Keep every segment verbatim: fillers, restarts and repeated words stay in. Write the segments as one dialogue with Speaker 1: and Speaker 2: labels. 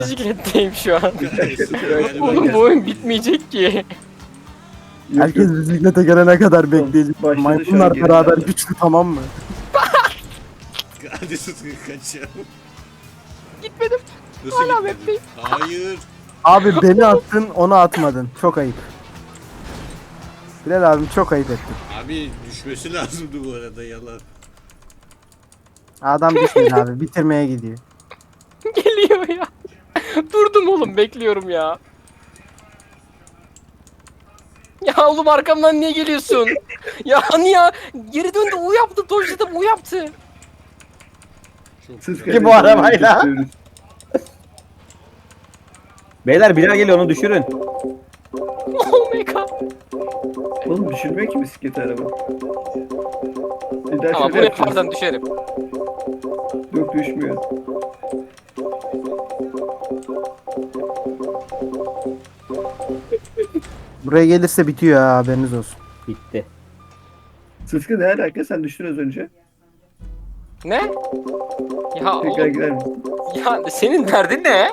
Speaker 1: Bisikletteyim şu an.
Speaker 2: Yani
Speaker 1: Oğlum
Speaker 2: ben
Speaker 1: bu oyun bitmeyecek ki.
Speaker 3: Yok,
Speaker 4: Herkes
Speaker 3: yok.
Speaker 4: bisiklete gelene kadar bekleyecek.
Speaker 3: Başladı şu an
Speaker 4: Maymunlar
Speaker 3: geri
Speaker 4: beraber
Speaker 3: döndü.
Speaker 4: güçlü, tamam mı?
Speaker 2: hadi Sıtkı kaçalım.
Speaker 1: Gitmedim.
Speaker 2: Nasıl
Speaker 1: Hala
Speaker 2: gitmedin?
Speaker 1: webdeyim.
Speaker 2: Hayır.
Speaker 4: Abi beni attın, onu atmadın. Çok ayıp. Bilal abim çok ayıp ettin.
Speaker 2: Abi düşmesi lazımdı bu arada yalan.
Speaker 4: Adam düşmedi abi, bitirmeye gidiyor.
Speaker 1: Geliyor ya. Durdum oğlum bekliyorum ya. Ya oğlum arkamdan niye geliyorsun? Ya hani ya geri döndü U yaptı dojladım U yaptı.
Speaker 2: Çok
Speaker 3: Siz
Speaker 2: güzel.
Speaker 5: Ki bu
Speaker 3: kardeşlerle
Speaker 5: arabayla.
Speaker 3: tutuyoruz.
Speaker 5: Beyler Bilal geliyor onu düşürün.
Speaker 1: Oh my god.
Speaker 3: Oğlum düşürmüyor ki bisiklet araba. Bir daha
Speaker 1: Ama
Speaker 3: şöyle
Speaker 1: bunu
Speaker 3: yapacağız.
Speaker 1: yaparsan düşerim.
Speaker 3: Yok düşmüyor.
Speaker 4: Buraya gelirse bitiyor ha, haberiniz olsun.
Speaker 5: Bitti.
Speaker 3: Sıtkı ne alaka? Sen düştün az önce.
Speaker 1: Ne? Ya
Speaker 3: Tekrar
Speaker 1: oğlum,
Speaker 3: gider misin?
Speaker 1: ya senin derdin ne?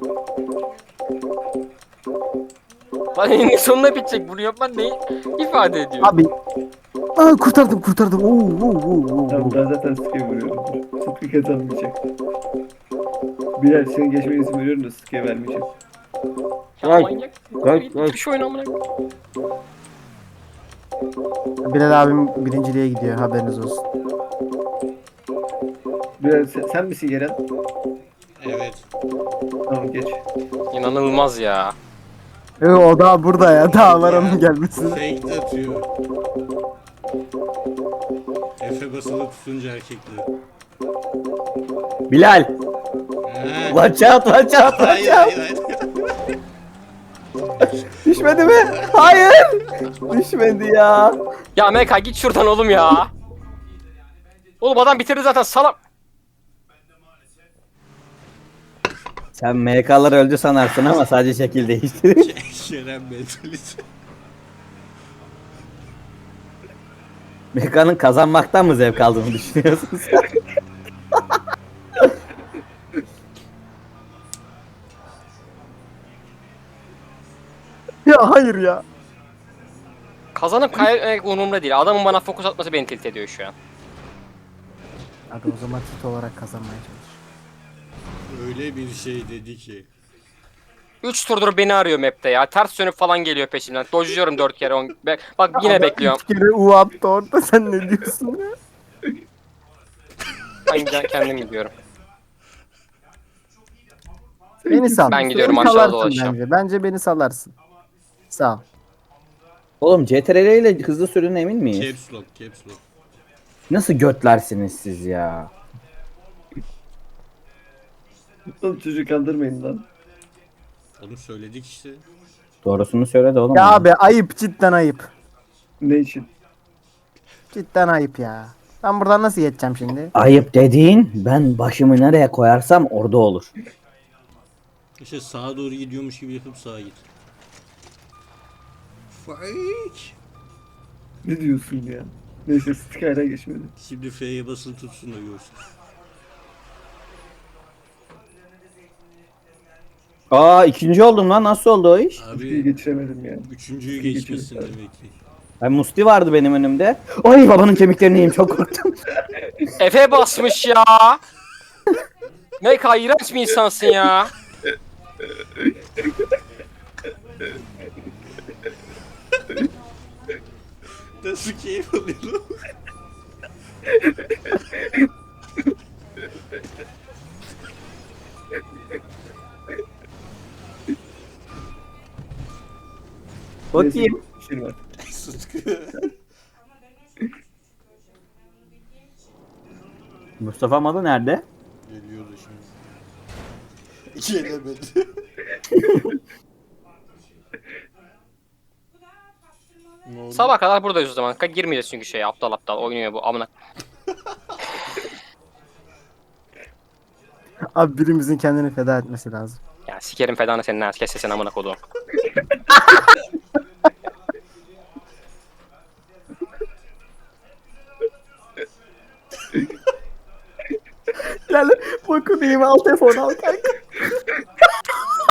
Speaker 1: Lan eninde sonuna bitecek bunu yapman ne ifade ediyor?
Speaker 4: Abi. Aa, kurtardım kurtardım. Oo, oo, oo, oo.
Speaker 3: Tamam ben zaten Sıtkı'ya vuruyorum. Sıtkı kazanmayacak. Bilal senin geçmene izin veriyorum da Sıtkı'ya vermeyeceğim.
Speaker 1: Ya
Speaker 5: Bak,
Speaker 1: manyak.
Speaker 5: bak, bak.
Speaker 1: Şu oyun amına.
Speaker 4: Bilal abim birinciliğe gidiyor, haberiniz olsun.
Speaker 3: Bilal sen, sen misin Yeren?
Speaker 2: Evet.
Speaker 3: Tamam geç.
Speaker 1: İnanılmaz ya.
Speaker 4: Ee, o daha burada ya, daha var onun gelmesi.
Speaker 2: Fake atıyor. Efe basılı tutunca erkekler.
Speaker 5: Bilal.
Speaker 2: He.
Speaker 5: Watch out watch out watch
Speaker 2: Hayır
Speaker 5: out.
Speaker 2: hayır hayır.
Speaker 5: Düşmedi mi? Hayır. Düşmedi ya.
Speaker 1: Ya Meka git şuradan oğlum ya. Oğlum adam bitirdi zaten salam.
Speaker 5: Sen M K'lar öldü sanarsın ama sadece şekil değişti.
Speaker 2: Şeren mentalite.
Speaker 5: M K'nın kazanmaktan mı zevk aldığını düşünüyorsun sen?
Speaker 4: Ya hayır ya.
Speaker 1: Kazanıp kaybetmek umurumda değil. Adamın bana fokus atması beni tilt ediyor şu an.
Speaker 4: Hadi o zaman tit olarak kazanmaya çalış.
Speaker 2: Öyle bir şey dedi ki.
Speaker 1: üç turdur beni arıyor map'te ya. Ters dönüp falan geliyor peşimden. Dojluyorum dört kere. on- Be- Bak yine
Speaker 4: Adam
Speaker 1: bekliyorum.
Speaker 4: üç kere U attı orada, sen ne diyorsun ya?
Speaker 1: Ben giden- kendim gidiyorum.
Speaker 4: Beni sal.
Speaker 1: Ben gidiyorum,
Speaker 4: Beni
Speaker 1: aşağı
Speaker 4: salarsın
Speaker 1: dolaşacağım.
Speaker 4: Bence. bence beni salarsın. Sağ ol.
Speaker 5: Oğlum C T R L ile hızlı sürün emin miyiz?
Speaker 2: Caps lock, caps lock.
Speaker 5: Nasıl götlersiniz siz ya?
Speaker 3: Oğlum çocuğu kandırmayın lan.
Speaker 2: Onu söyledik işte.
Speaker 5: Doğrusunu söyle de oğlum.
Speaker 4: Ya abi ayıp, cidden ayıp.
Speaker 3: Ne için?
Speaker 4: Cidden ayıp ya. Ben buradan nasıl geçeceğim şimdi?
Speaker 5: Ayıp dediğin ben başımı nereye koyarsam orada olur.
Speaker 2: İşte sağa doğru gidiyormuş gibi yapıp sağa git. Fake.
Speaker 3: Ne diyorsun ya? Neyse Sıtkı hala geçmedi.
Speaker 2: Şimdi F'ye basılı tutsun da görsün.
Speaker 5: Aa ikinci oldum lan, nasıl oldu o iş?
Speaker 3: Sıtkı'yı
Speaker 2: Abi
Speaker 3: geçiremedim ya.
Speaker 2: üçüncüyü
Speaker 3: Sıtkı
Speaker 2: geçmişsin
Speaker 3: geçemedi.
Speaker 2: demek ki.
Speaker 5: Ben Musti vardı benim önümde. Ay babanın kemiklerini yiyeyim, çok korktum.
Speaker 1: Efe basmış ya. Meka iğrenç bir insansın ya.
Speaker 2: Nasıl keyif alıyorum?
Speaker 5: Bakayım.
Speaker 3: Şey var.
Speaker 2: Sıtkı.
Speaker 5: Mustafa Malı nerede?
Speaker 2: Geliyordu şimdi. Gelemedi. Ne oldu?
Speaker 1: Sabah kadar buradayız o zaman. Ka- Girmeyeceğiz çünkü şey aptal aptal oynuyor bu amına.
Speaker 4: Abi birimizin kendini feda etmesi lazım.
Speaker 1: Ya sikerim fedanı senin ha. Kes sesini amına koduğum.
Speaker 4: Gel bakın, al telefonu al kanka.